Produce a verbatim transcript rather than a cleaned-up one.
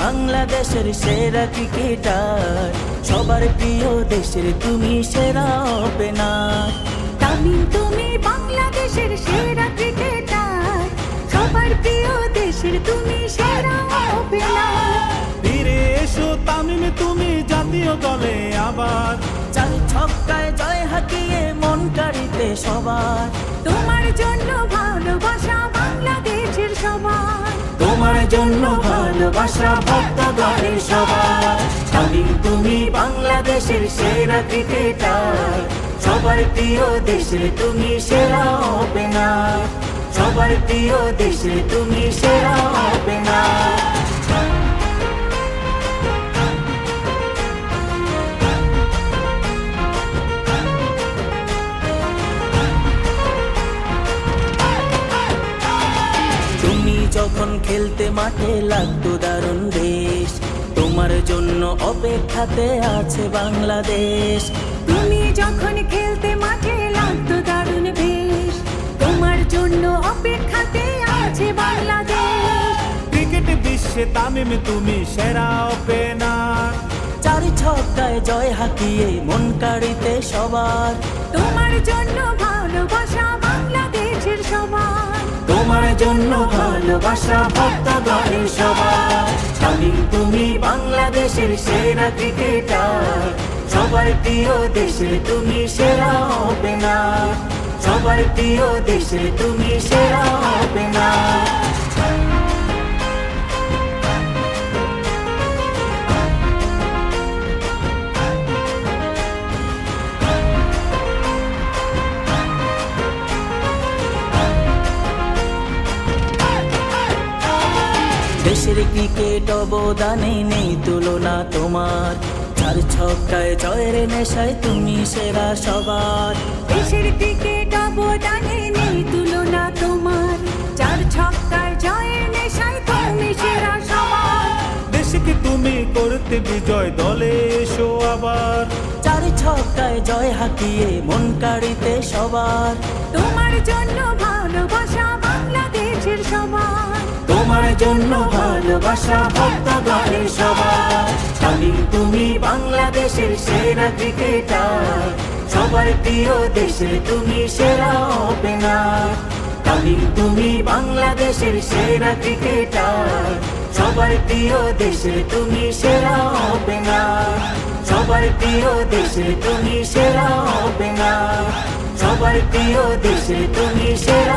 বাংলাদেশের সেরা ক্রিকেটার, সবার প্রিয় দেশের তুমি সেরা ওপেনার। তামিম তুমি বাংলাদেশের সেরা ক্রিকেটার, সবার প্রিয় দেশের তুমি সেরা ওপেনার। ফিরে এসো তামিম তুমি জাতীয় দলে আবার, চার ছক্কায় জয় হাকিয়ে মন কাড়িতে সবার। তোমার জন্য ভালোবাসা বাংলাদেশের সবার, তোমার জন্য ভালোবাসা ভক্তগণের সবার। তামিম তুমি বাংলাদেশের সেরা ক্রিকেটার, সবার প্রিয় দেশের তুমি সেরা ওপেনার, সবার প্রিয় দেশের তুমি সেরা ওপেনার। তুমি যখন খেলতে মাঠে লাগতো দারুণ বেশ, তোমার জন্য অপেক্ষাতে আছে বাংলাদেশ। তুমি যখন খেলতে মাঠে লাগতো দারুণ বেশ, তোমার জন্য অপেক্ষাতে আছে বাংলাদেশ। ক্রিকেট বিশ্বে তামিম তুমি সেরা ওপেনার, চার ছক্কায় জয় হাকিয়ে মন কাড়িতে সবার। তোমার জন্য ভালোবাসা বাংলাদেশের সবার, তোমার জন্য ভালোবাসা ভক্তগণের সবার। তামিম তুমি বাংলাদেশের সেরা ক্রিকেটার, সবার প্রিয় দেশের তুমি সেরা ওপেনার, সবার প্রিয় দেশের তুমি সেরা ওপেনার। দেশের ক্রিকেট অবদানে নেই তুলনা তোমার, চার ছক্কায় জয়ের নেশায় তুমি সেরা সবার। দেশের ক্রিকেট অবদানে নেই তুলনা তোমার, চার ছক্কায় জয়ের নেশায় তুমি সেরা সবার। দেশকে তুমি করতে বিজয় দলে এসো আবার, চার ছক্কায় জয় হাকিয়ে মন কাড়িতে সবার। তোমার জন্য ভালোবাসা বাংলাদেশের সবার, তোমার জন্য ভালোবাসা ভক্তগণের সবার। তামিম তুমি বাংলাদেশের সেরা ক্রিকেটার, সবার প্রিয় দেশের তুমি সেরা ওপেনার। তামিম তুমি বাংলাদেশের সেরা ক্রিকেটার, সবার প্রিয় দেশের তুমি সেরা ওপেনার, সবার প্রিয় দেশের তুমি সেরা ওপেনার, সবার প্রিয় দেশের তুমি সেরা